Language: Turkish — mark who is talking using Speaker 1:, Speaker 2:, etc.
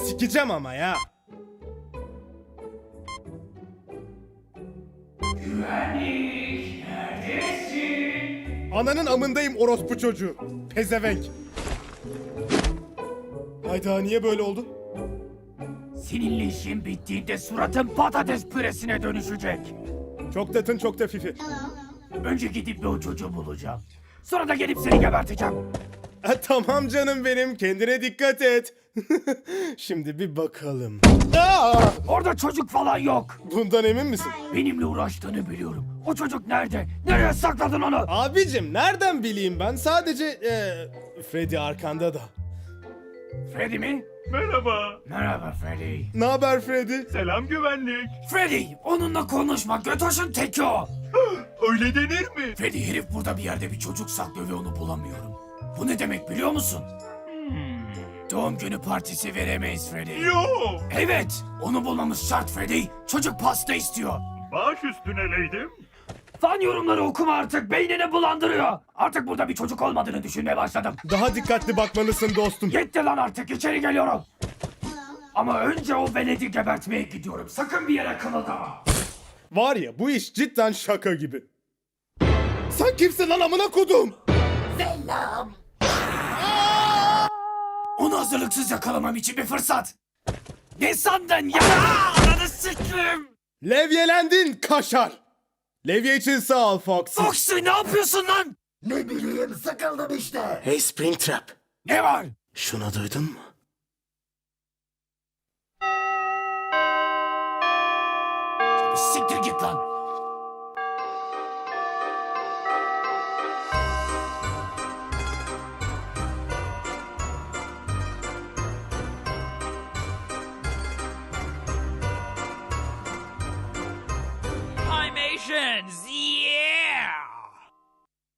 Speaker 1: sikeceğim ama ya.
Speaker 2: Güvenlik, neredesin?
Speaker 1: Ananın amındayım orospu çocuğu. Pezevenk. Hayda niye böyle oldu?
Speaker 2: Seninle işin bittiğinde suratın patates püresine dönüşecek.
Speaker 1: Çok tatın çok da fifi.
Speaker 2: Önce gidip bir o çocuğu bulacağım. Sonra da gelip seni geberteceğim.
Speaker 1: Tamam canım benim, kendine dikkat et. Şimdi bir bakalım. Aa!
Speaker 2: Orada çocuk falan yok.
Speaker 1: Bundan emin misin?
Speaker 2: Benimle uğraştığını biliyorum. O çocuk nerede? Nereye sakladın onu?
Speaker 1: Abicim nereden bileyim ben, sadece Freddy arkanda da.
Speaker 2: Freddy mi?
Speaker 3: Merhaba.
Speaker 2: Merhaba Freddy.
Speaker 1: Ne haber Freddy?
Speaker 3: Selam güvenlik.
Speaker 2: Freddy, onunla konuşma. Götoş'un teki o.
Speaker 3: Öyle denir mi?
Speaker 2: Freddy, herif burada bir yerde bir çocuk saklıyor ve onu bulamıyorum. Bu ne demek biliyor musun? Doğum günü partisi veremeyiz Freddy.
Speaker 3: Yo.
Speaker 2: Evet, onu bulmamız şart Freddy. Çocuk pasta istiyor.
Speaker 3: Baş üstüne leydim.
Speaker 2: Fan yorumları okuma artık, beynini bulandırıyor. Artık burada bir çocuk olmadığını düşünmeye başladım.
Speaker 1: Daha dikkatli bakmalısın dostum.
Speaker 2: Yetti lan artık, içeri geliyorum. Ama önce o veledi gebertmeye gidiyorum. Sakın bir yere kımıldama.
Speaker 1: Var ya, bu iş cidden şaka gibi. Sen kimsin lan amına kodum?
Speaker 2: Onu hazırlıksız yakalamam için bir fırsat. Ne sandın ya? Ananı sikeyim.
Speaker 1: Levyelendin kaşar. Levye için sağ ol Foxy.
Speaker 2: Foxy, ne yapıyorsun lan?
Speaker 4: Ne bileyim sıkıldım işte.
Speaker 1: Hey Springtrap.
Speaker 2: Ne var?
Speaker 1: Şunu duydun mu?
Speaker 2: Siktir git lan.
Speaker 5: Hi, Asians!